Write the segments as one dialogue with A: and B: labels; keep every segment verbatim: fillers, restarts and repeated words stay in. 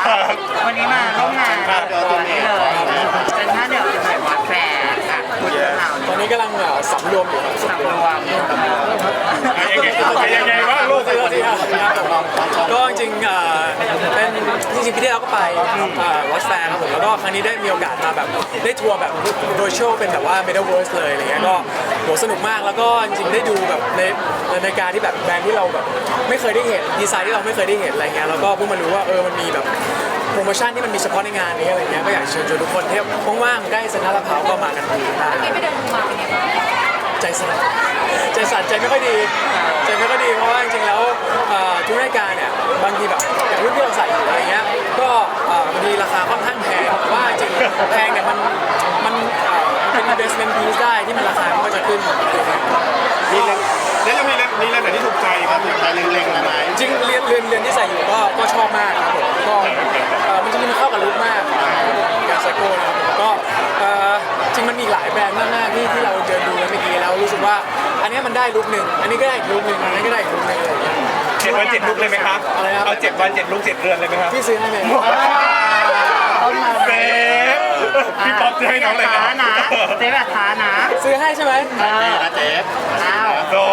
A: วันนี้มาร่วมงานนี่เลยเป็นท่าเดียวกันหน่อยวัดแฟร์ค่ะคุณเรื่องราว
B: ตอนนี้กำลังสำรวมอยู่
A: สำรวม
C: ยังไงยังไงว่าลูก
B: ก็จริงๆเป็นจริงๆปีที่แล้วก็ไปวอชแฟร์ครับผมแล้วก็ครั้งนี้ได้มีโอกาสมาแบบได้ทัวร์แบบโดยโชว์เป็นแบบว่า Metaverse เลยอะไรเงี้ยก็โหสนุกมากแล้วก็จริงๆได้ดูแบบในในการที่แบบแบรนด์ที่เราแบบไม่เคยได้เห็นดีไซน์ที่เราไม่เคยได้เห็นอะไรเงี้ยแล้วก็เพิ่งมารู้ว่าเออมันมีแบบโปรโมชั่นที่มันมีเฉพาะในงานนี้อะไรเงี้ยก็อยากเชิญชวนทุกคนที่ว่างๆใกล้เซ็นทรัลลาดพร้าวก็มากันดีใจสั่นใจสั่นใจไม่ค่อยดีใจไม่ค่อยดีเพราะว่าจริงๆแล้วทุกรายการเนี่ยบางทีแบบอย่างรุ่นที่เราใส่อยู่อะไรเงี้ยก็บางทีราคาค่อนข้างแพงแต่ว่าจริงแพงเนี่ยมันมันเป็น investment piece ได้ที่มันราคามันก็จะขึ้น
C: มีเล่นแล้วยังมีเล่นมีเล่นไหนที่ถูกใจครับถูกใจเล็งๆอะไร
B: จริงเรียนเรียนเรียนที่ใส่อยู่ก็ก็ชอบมากครับผมก็มันจริงๆมันเข้ากับลุคมากการไซโก้นะครับผมก็จริงมันมีหลายแบรนด์มากๆที่ที่เราเดินดูแล้วเมื่อกี้แล้วรู้สึกว่าอันนี้มันได้ลุคหนึ่งอันนี้ก็ได้อีกลุคหนึ่งอันนี้ก็ได้อีกลุคหนึ่งอะไรอย่างเงี้ย
C: เจ็ดวันเจ็ดลุกเลยไหมครับ
B: อะไรครับ
C: เอาเจ็ดวันเจ็ดลุกเจ็ดเรือนเลยไหมครับ
B: พี่ซื้อให้ไหม
A: ต้นมา
C: เซฟพี่ป๊อปจะให้น้องเลยนะ
A: นะเจ๊แบบท้านะ
B: ซื้อให้ใช่ไหม
A: เออ
C: เจฟ
A: อ้าว
C: โด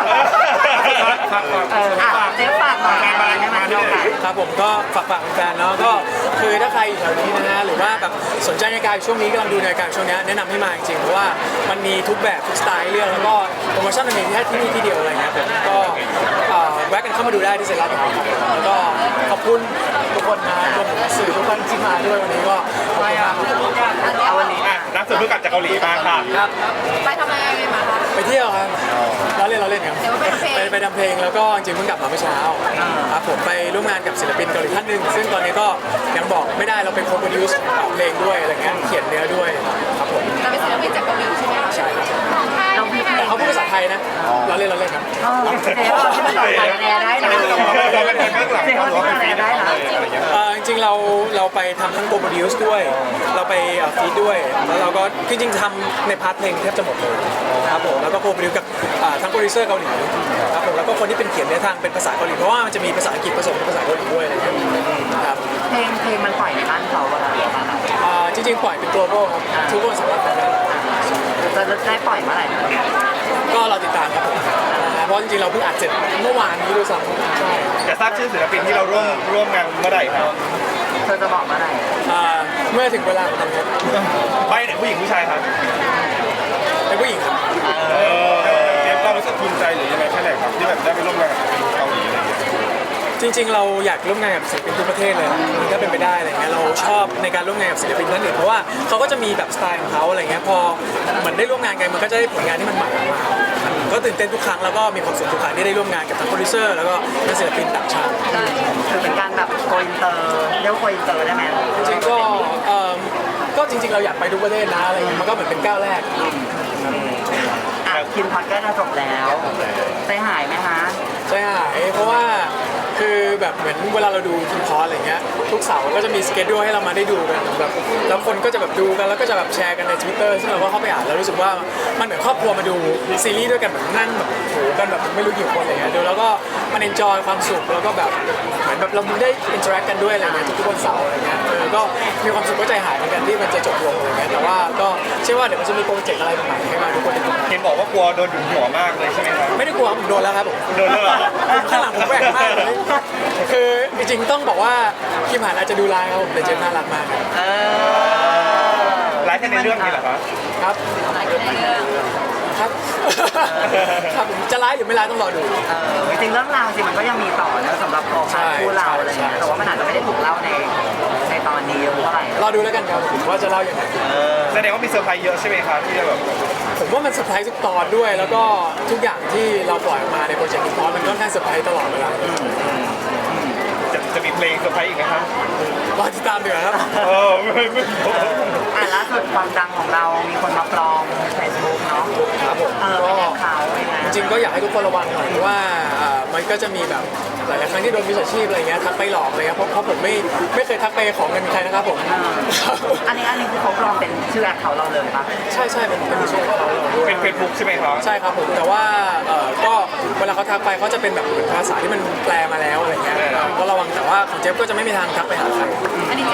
A: เอออ่ะเจ๊ฝากหน่อยให้มาดูกัน
B: ครับผมก็ฝากฝากแฟนๆเนาะก็คือถ้าใครอยู่แถวนี้นะฮะหรือว่าแบบสนใจในการช่วงนี้กำลังดูในการช่วงนี้แนะนำให้มาจริงๆเพราะว่ามันมีทุกแบบทุกสไตล์เรื่องแล้วก็โปรโมชั่นมันมีแค่ที่นี่ที่เดียวอะไรเงี้ยผมก็แวะกันเข้ามาดูได้ที่เซ็นทรัลลาดพร้าวแล้วก็ขอบคุณทุกคนนะรวมถึงสื่อทุกคนที่มาด้วยวันนี้ก็ขอบคุณมาก
A: เอาวันนี้
C: อ่ะนักสืบเพิ่งกลับจากเกาหลีมาค่ะ
B: ครับ
D: ไปทำอะไรมาคะ
B: ไปเที่ยวครับเราเล่นเราเล่นครับ
D: เดี๋ยวไปทำเพลง
B: ไปไปทำเพลงแล้วก็จริงๆเพิ่งกลับมาเมื่อเช้าครับผมไปร่วมงานกับศิลปินเกาหลีท่านหนึ่งซึ่งตอนนี้ก็ยังบอกไม่ได้เราเป็นโคโปรดิวซ์เพลงด้วยอะไรเงี้ยเขียนเนื้อด้วยครับผม
D: เราเป็นศิลปินจากเกาหลีใช่ไหมคะ
B: ใช่ครับ
A: เราพี่เพล
B: แต่
A: ง
B: เขาพูดภาษาไทยนะเราเล่นเราเล่นครับ
A: เออเจ๊ว่าที่ภาษาไทยแปลได้นะ
C: เราเป็นคนเบื้องหลัง
A: เจ๊ว่าที่แปลได้นะ
C: อะไรเงี้ย
B: เอ่อจริงๆเราเราไปทำทั้งโปรดิวซ์ด้วย เราไปฟีดด้วยแล้วเราก็จริงๆทำในพาร์ทเพลงแทบจะหมดเลยครับผมแล้วก็โปรดิวกับอ่าทั้งโปรดิวเซอร์เกาหลีครับผมแล้วก็คนที่เป็นเขียนเนื้อทางเป็นภาษาเกาหลีเพราะว่ามันจะมีภาษาอังกฤษผสมกับภาษาเกาหลีด้วยอะไรอย่างเงี้ยครับ
A: เพลงเพลงมันปล่อยในบ้านเขาอะ
B: อ่าจริงๆปล่อยเป็น global ครับทุกคนสามารถฟังได้
A: จะได้ปล่อยเมื่อไหร่
B: ก็เราติดตามครับผมนะเพราะจริงๆเราเพิ่งอัดเสร็จเมื่อวานนี้ด้วยซ้ำใช่
C: จะทราบชื่อศิลปินที่เราร่วมร่วมงานเมื่อไหร่ครับ
A: เธอจะบอกเมื่อไหร่
B: อ่าเมื่อถึงเวลาของมันครับ
C: ไปไหนผู้หญิงผู้ชายครับ
B: เป็นผู้หญิงครับ
C: เออเจฟเรารู้สึกภูมิใจหรือยังไงแค่ไหนครับที่แบบได้ไปร่วมงานกับเกาหลีอะไรเงี้ย
B: จริงๆ เราอยากร่วมงานกับศิลปินทุกประเทศเลยถ้าเป็นไปได้อะไรเงี้ยเราชอบในการร่วมงานกับศิลปินท่านอื่นเพราะว่าเขาก็จะมีแบบสไตล์ของเขาอะไรเงี้ยพอเหมือนได้ร่วมงานกันมันก็จะได้ผลงานที่มันใหม่ออกมาก็ตื่นเต้นทุกครั้งแล้วก็มีความสุขทุกครั้งที่ได้ร่วมงานกับทั้งโปรดิวเซอร์แล้วก็นักศิลปินต่างชาติ
A: คือเป็นการแบบโกอินเตอร์เรียกว่าโกอินเตอร์ได้ไหม
B: จริงๆก็เอ่อก็จริงๆ เราอยากไปทุกประเทศนะอะไรเงี้ยมันก็เหมือนเป็นก้าวแรก
A: อ่ะคิมพอดก็จะจบแล้วใจหายไหมคะ
B: ใจหายเพราะว่าคือแบบเหมือนเวลาเราดูทีมพอสอะไรเงี้ยทุกเสาร์ก็จะมีสเกจดูให้เรามาได้ดูกันแบบแล้วคนก็จะแบบดูกันแล้วก็จะแบบแชร์กันใน Twitter ซึ่งเราก็เข้าไปอ่านแล้วรู้สึกว่ามันเหมือนครอบครัวมาดูซีรีส์ด้วยกันแบบนั่งแบบโหกันแบบไม่รู้กี่คนอะไรเงี้ยดูแล้วก็มันเอนจอยความสุขแล้วก็แบบเหมือนแบบเราได้อินเทอร์แอคกันด้วยอะไรเงี้ยทุกๆวันเสาร์อะไรเงี้ยเออก็มีความสุขก็ใจหายเหมือนกันที่มันจะจบลงอะไรเงี้ยแต่ว่าก็เชื่อว่าเดี๋ยวมันจะมีโปรเจกต์อะไรใหม่ๆให้มาทุกคนได้ดู
C: เห็นบอกว่ากลัวโดนดุหัวมากเลยใช่ไหมครับ
B: ไม่ได้กลัวผมโดนแล้วครับผม
C: โดนแล้วเหรอ
B: ข้างหลังผมแหวกมากเลยคือจริงๆต้องบอกว่าคิมหันอาจจะดูร้ายครับผมแต่เจมส์น่ารักมากครับ
A: เออ
C: ไลฟ์แค่ในเรื่องนี้เหรอครับ
B: ครับครับครับผมจะร้ายหรือไม่ร้ายต้องรอดู
A: เออจริงๆเรื่องราวจริงมันก็ยังมีต่อนะสำหรับโครงการคู่เราอะไรเงี้ยแต่ว่ามันอาจจะไม่ได้ถูกเล่าในในตอนนี้เท่าไหร่
B: รอดูแล้วกันครับผมว่าจะเล่าอย่างไร
C: แสดงว่ามีเซอร์ไพรส์เยอะใช่ไหมครับที่จะแบบ
B: ผมว่ามันเซอร์ไพรส์ทุกตอนด้วย แล้วก็ทุกอย่างที่เราปล่อยออกมาในโปรเจกต์นี้พอมันค่อนข้างเซอร์ไพรส์ตลอดเวลา
C: จะจะมีเพลงเซอร์ไพรส์อีกไหมครับ
B: รอติดตามดีกว่าครับ
C: เออไม่ไม่
A: อ่ะล่าสุดความดังของเรามีคนมาปลอมเฟซบุ๊กเนาะ
B: ครับผม
A: เออ
B: ก็
A: เป็นเขายังไง
B: จริงๆก็อยากให้ทุกคนระวังหน่อยเพราะว่าอ่ามันก็จะมีแบบหลายๆครั้งที่โดนมิจฉาชีพอะไรเงี้ยทักไปหลอกอะไรเงี้ยเพราะเพราะผมไม่ไม่เคยทักไปขอเงินใครนะครับผม
A: อันนี้อันนี้คือเขาปลอมเป็นชื่อแอคเขาเราเลยปะ
B: ใช่ใช่เป็นเป็นชื่อเขาด้วย
C: เป็นเฟซบุ๊กใช่ไหมครับ
B: ใช่ครับผมแต่ว่าเอ่อก็เวลาเขาทักไปเขาจะเป็นแบบเหมือนภาษาที่มันแปลมาแล้วอะไรเงี้ยก็ระวังแต่ว่าของเจฟก็จะไม่มีทางทักไปหาใคร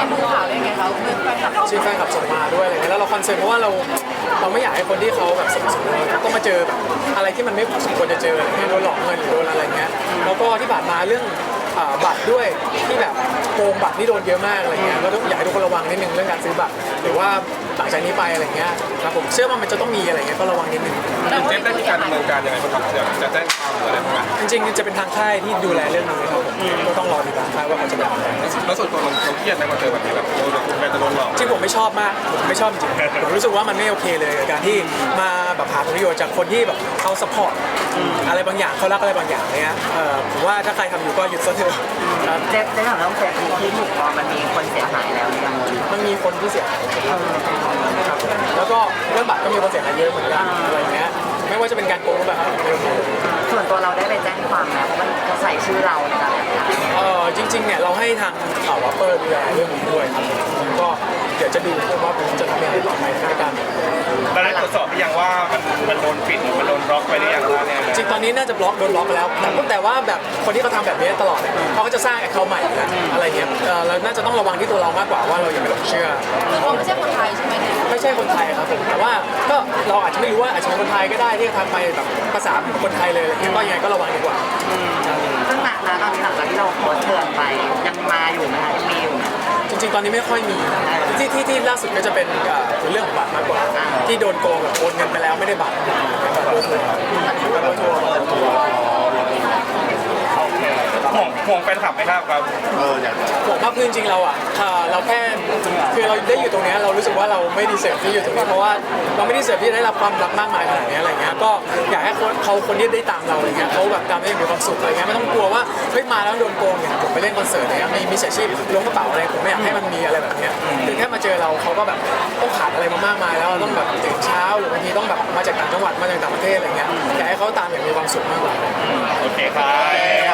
D: ดูข่าวได้ไงคะเพื่อนแฟนคลับ
B: ชื่อแฟนคลับส่งมาด้วยอะไรเงี้ยแล้วเราคอนเซิร์นเพราะว่าเราเราไม่อยากให้คนที่เขาแบบสมสมต้องมาเจอแบบอะไรที่มันไม่สมควรจะเจออะไรเงี้ยโดนหลอกเงินหรือโดนอะไรเงี้ยแล้วก็ที่ผ่านมาเรื่องอ่าบัตรด้วยที่แบบโกงบัตรนี่โดนเยอะมากอะไรเงี้ยก็ต้องอยากให้ทุกคนระวังนิดนึงเรื่องการซื้อบัตรหรือว่าหลังจากนี้ไปอะไรเงี้ยครับผมเชื่อว่ามันจะต้องมีอะไรเงี้ยก็ระวังนิดนึง
C: เจฟได้มีการดำเนินการยังไงบ้างครับเดี๋ยวจะแจ้งความหรืออะไรบ้างไหม
B: จริงๆจะเป็นทางค่ายที่ดูแลเรื่องนี้ครับผมก็ต้องรอติดตามค่ายว่าเขาจะแบบไหน
C: แล้วส่วนตัวเราเราเครียดไหมพอเจอแบบนี้แบบโดนแฟนจะโดนหลอก
B: จริงผมไม่ชอบมากผมไม่ชอบจริงผมรู้สึกว่ามันไม่โอเคเลยกับการที่มาแบบหาผลประโยชน์จากคนที่แบบเขาสปอร์ตอะไรบางอย่างเขารักอะไรบางอย่างเนี้ยเออผมว่าถ้าใครทำอยู่ก็หยุดซะเถอะครับ
A: เจ๊ได้ถามเรื่องเฟซบุ๊กที่ถูกปลอมมันมีคนเสียหายแล้วหรือยัง
B: มันมีคนที่เสียหายครับแล้วก็เรื่องบัตรก็มีคนเสียหายเยอะเหมือนกันอะไรเงี้ยไม่ว่าจะเป็นการโกงแบบครับ
A: ส่วนตัวเราได้ไปแจ้งความนะเพราะมันเขาใส่ชื่อเราในการแบบนั้น
B: เออจริงๆเนี่ยเราให้ทางข่าววัปเปอร์ดูแลเรื่องนี้ด้วยครับผมก็เดี๋ยวจะดูว่าผมจะทำยังไงต่อไปในการ
C: เราได้ตรวจสอบหรือยังว่ามันมันโดนปิดหรือมันโดนบล็อกไปหรือยังว่าเนี่ย
B: จริงตอนนี้น่าจะบล็อกโดนบล็อกไปแล้วแต่แต่ว่าแบบคนที่เขาทำแบบนี้ตลอดเนี่ยเขาก็จะสร้างแอคเคาท์ใหม่อยู่แล้วอะไรเงี้ยเออเราน่าจะต้องระวังที่ตัวเรามากกว่าว่าเราอย่าไปหลงเชื่อ
D: คือเขาไม่ใช่คนไทยใช่ไหมเนี่ย
B: ไม่ใช่คนไทยครับผมแต่ว่าก็เราอาจจะไม่รู้ว่าอาจจะเป็นคนไทยก็ได้ที่ทำไปแบบภาษาคนไทยเลยอะไรเงี้ยก็ยังไงก็ระวังดีกว่า
A: ซึ่งณณตอนนี้หลังจากที่เราโพสต์เตือนไปยังมาอยู่ไหมคะยังมีอยู่ไหม
B: จริง ๆ ตอนนี้ไม่ค่อยมีที่ที่ที่ล่าสุดก็จะเป็นเอ่อเรื่องของบัตรมากกว่า ที่โดนโกงแบบโอนเงินไปแล้วไม่ได้บัตรโดนเลยโดนทัวร์
C: ห่วงห่วงแฟนคลับไหมครับครับ
B: ผมว่าคือจริงๆเราอ่ะอ่าเราแค่คือเราได้อยู่ตรงเนี้ยเรารู้สึกว่าเราไม่ดีเสิร์ฟที่อยู่ตรงนี้เพราะว่าเราไม่ดีเสิร์ฟที่จะได้รับความรักมากมายขนาดนี้อะไรเงี้ยก็อยากให้คนเขาคนที่ได้ตามเราอะไรเงี้ยเขาแบบตามได้อย่างมีความสุขอะไรเงี้ยไม่ต้องกลัวว่าเฮ้ยมาแล้วโดนโกงอย่างผมไปเล่นคอนเสิร์ตอะไรเงี้ยมีมีเสียชีพล้วงกระเป๋าอะไรผมไม่อยากให้มันมีอะไรแบบเนี้ยคือแค่มาเจอเราเขาก็แบบต้องผ่านอะไรมามากมายแล้วต้องแบบตื่นเช้าหรือบางทีต้องแบบมาจากต่างจังหวัดมาจากต่างประเทศอะไรเงี้ยอยากให้เขาตามอย่างมีความสุขมากกว่า
C: โอเคครับ